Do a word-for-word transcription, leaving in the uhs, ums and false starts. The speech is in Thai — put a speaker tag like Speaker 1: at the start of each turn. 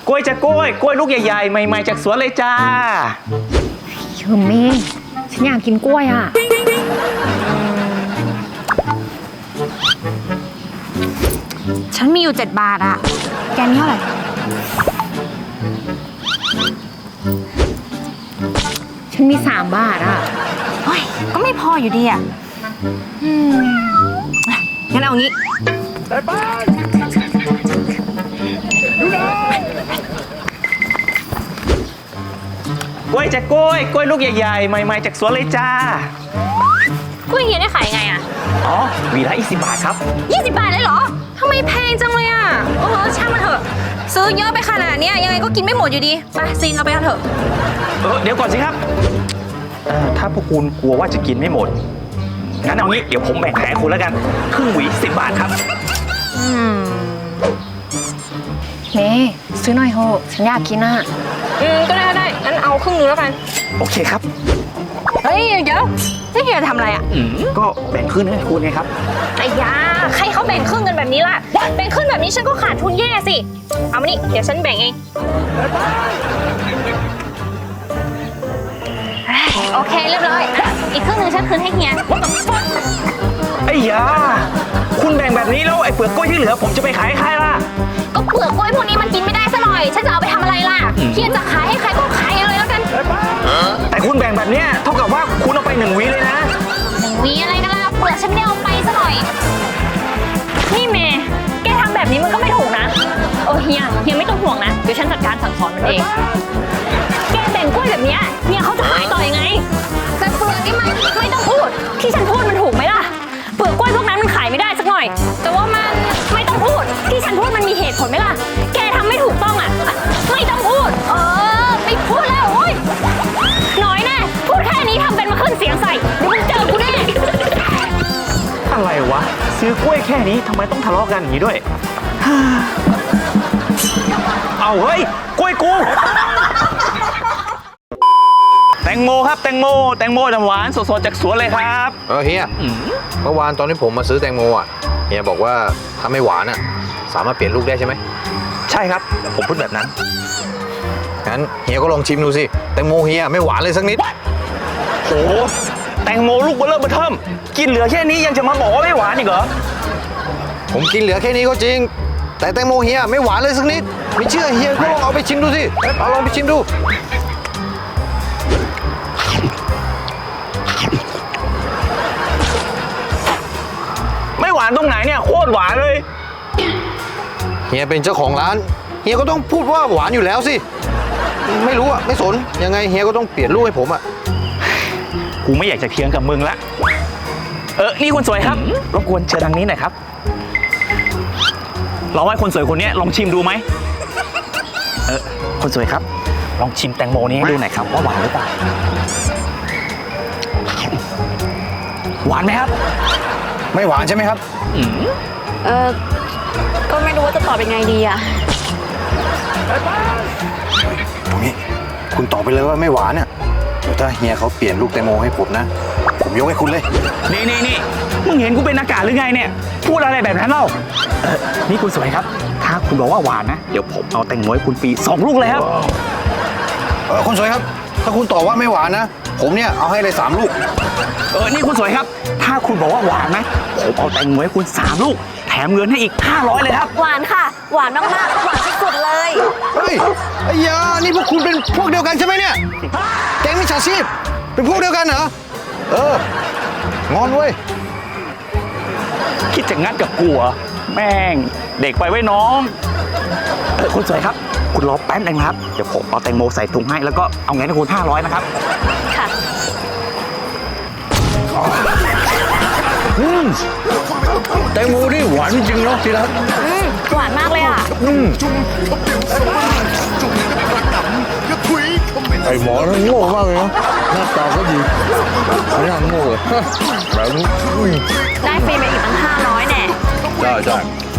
Speaker 1: กล้วยจะกล้วยกล้วยลูกใหญ่ๆใหม่ๆจากสวนเลยจ้า
Speaker 2: เชิมเมย์ฉันอยากกินกล้วยอ่ะฉันมีอยู่เจ็ดบาทอ่ะแกนี่เท่าไหร่ฉันมีสามบาทอ่ะเฮ้ยก็ไม่พออยู่ดีอ่ะอืมงั้นเอางี้
Speaker 1: กล้วยจะกล้วยกล้วยลูกใหญ่ๆใหม่ๆจากสวนเลยจ้าก
Speaker 2: ล้วยเฮียได้ขายยังไงอ่ะ
Speaker 1: อ๋อหวีละยี่สิบบาทครับ
Speaker 2: ยี่สิบบาทเลยเหรอทำไมแพงจังเลยอ่ะโอ้โหช่างมันเถอะซื้อเยอะไปขนาดนี้ยังไงก็กินไม่หมดอยู่ดีไปซีนเราไปกันเถอะ
Speaker 1: เออเดี๋ยวก่อนสิครับถ้าพวกคุณกลัวว่าจะกินไม่หมดงั้นเอางี้เดี๋ยวผมแบ่งให้คุณแล้วกันครึ่งหวีสิบบาทครับ
Speaker 2: อืมเมย์ซื้อหน่อยโหฉันอยากกินอ่ะอืมก็ได้ได้งั้นเอาครึ่งนึงแล้วกัน
Speaker 1: โอเคครับ
Speaker 2: เฮ้ยเดี๋ยวนี่เฮียทำอะไรอ่ะ
Speaker 1: ก็แบ่งครึ่งให้คุณไงครับ
Speaker 2: ไอ้ยาใครเขาแบ่งครึ่งกันแบบนี้ล่ะแบ่งครึ่งแบบนี้ฉันก็ขาดทุนแย่สิเอามานี่เดี๋ยวฉันแบ่งเองโอเคเรียบร้อยอีกครึ่งนึงฉันคืนให้เฮีย
Speaker 1: ไอ้ยาคุณแบ่งแบบนี้แล้วไอ้เปลือกกล้วยที่เหลือผมจะไปขายให้ใครล่ะ
Speaker 2: ก็เปลือกกล้วยพวกนี้มันกินไม่ได้ซะหน่อยฉันจะเอาไปทำอะไรล่ะเฮียจะขายให้ใครก็ขายเลยแล้วกัน
Speaker 1: แต่คุณแบ่งแบบนี้เท่ากับว่าคุณเอาไปหนึ่งวีเลยนะ
Speaker 2: หนึ่งวีอะไรกันล่ะเปลือกฉันไม่ได้เอาไปซะหน่อยนี่เมย์แกทำแบบนี้มันก็ไม่ถูกนะโอ้เฮียเฮียไม่ต้องห่วงนะเดี๋ยวฉันจัดการสั่งสอนมันเองแกแบ่งกล้วยแบบนี้เฮียเขาจะขายต่อยังไงแต่เปลือกนี่มันไม่ต้องพูดที่ฉันพูดมันถูกไหมล่ะเปลือกกล้วยพวกนั้นมันขายไม่ได้สักหน่อยแต่ว่ามันไม่ต้องพูดที่ฉันพูดมันมีเหตุผลไหมล่ะแกทำไม่ถูกต้องอ่ะไม่ต้องพูดเออไม่พูดแล้วโอ้ยน้อยแน่พูดแค่นี้ทำเป็นมาขึ้นเสียงใส่เดี๋ยวมึงเจอกูแน่
Speaker 1: อะไรวะซื้อกล้วยแค่นี้ทำไมต้องทะเลาะกันอย่างนี้ด้วยเอาเฮ้ยกล้วยกูแตงโมครับแตงโมแตงโมน้ำหวานสดๆจากสวนเลยครับ
Speaker 3: เออเฮียเมื่อวานตอนที่ผมมาซื้อแตงโมอ่ะเฮียบอกว่าถ้าไม่หวานอ่ะสามารถเปลี่ยนลูกได้ใช่ไหม
Speaker 1: ใช่ครับผมพูดแบบนั้น
Speaker 3: งั้นเฮียก็ลองชิมดูสิแตงโมเฮียไม่หวานเลยสักนิด
Speaker 1: โหแตงโมลูกเบลเลอร์เบอร์เทิมกินเหลือแค่นี้ยังจะมาบอกว่าไม่หวานอีกเหรอ
Speaker 3: ผมกินเหลือแค่นี้ก็จริงแต่แตงโมเฮียไม่หวานเลยสักนิดไม่เชื่อเฮียก็ลองเอาไปชิมดูสิเอาลองไปชิมดู
Speaker 1: ไม่หวานตรงไหนเนี่ยโคตรหวานเลย
Speaker 3: เฮียเป็นเจ้าของร้านเฮียก็ต้องพูดว่าหวานอยู่แล้วสิไม่รู้อะไม่สนยังไงเฮียก็ต้องเปลี่ยนลูกให้ผมอะ
Speaker 1: กูไม่อยากจะเถียงกับมึงละเออนี่คนสวยครับรบกวนเชิญทางนี้หน่อยครับลองให้คนสวยคนนี้ลองชิมดูไหมเออคนสวยครับลองชิมแตงโมนี้ให้ดูหน่อยครับว่าหวานหรือเปล่าหวานไหมครับ
Speaker 3: ไม่หวานใช่ไหมครับ
Speaker 2: เออก็ไม่รู้ว่าจะตอบยังไงดีอะ
Speaker 3: ตรงนี้คุณตอบไปเลยว่าไม่หวานอะเดี๋ยวถ้าเฮียเขาเปลี่ยนลูกแตงโมให้ผมนะผมยกให้คุณเลย
Speaker 1: นี่นี่นี่มึงเห็นกูเป็นอากาศหรือไงเนี่ยพูดอะไรแบบนั้นเล่าเออนี่คุณสวยครับถ้าคุณบอกว่าหวานนะเดี๋ยวผมเอาแตงโมให้คุณปีสองลูกเลยครับ
Speaker 3: เออคุณสวยครับถ้าคุณตอบว่าไม่หวานนะผมเนี่ยเอาให้เลยสามลูก
Speaker 1: เออนี่คุณสวยครับถ้าคุณบอกว่าหวานนะผมเอาแตงโมให้คุณสามลูกแถมเงินให้อีกห้าร้อยเลยครับ
Speaker 2: หวานค่ะหวานมากๆหวานสุดๆเลย
Speaker 3: เฮ้ยไอ้ยานี่พวกคุณเป็นพวกเดียวกันใช่ไหมเนี่ยแก๊งมิจฉาชีพเป็นพวกเดียวกันเหรอเอองอนเว้ย
Speaker 1: คิดจะงัดกับกูเหรอแม่งเด็กไปไว้น้องเออคุณสวยครับคุณรอแป๊บนึงครับเดี๋ยวผมเอาแตงโมใส่ถุงให้แล้วก็เอาเงินให้คุณห้าร้อยนะครับ
Speaker 2: ค่ะ
Speaker 3: อืมแตงโมนี่หวานจริงเนาะทีรัก
Speaker 2: อืมหวานมากเลยอ่ะ
Speaker 3: อืมไอหมอนั่นโง่มากเลยนะหน้าตาก็ดีไม่น่าโง่เลยแบบนี้
Speaker 2: ได้ฟรีไปอีกตั้งห้าร้อยแน่
Speaker 3: ใช่ใช่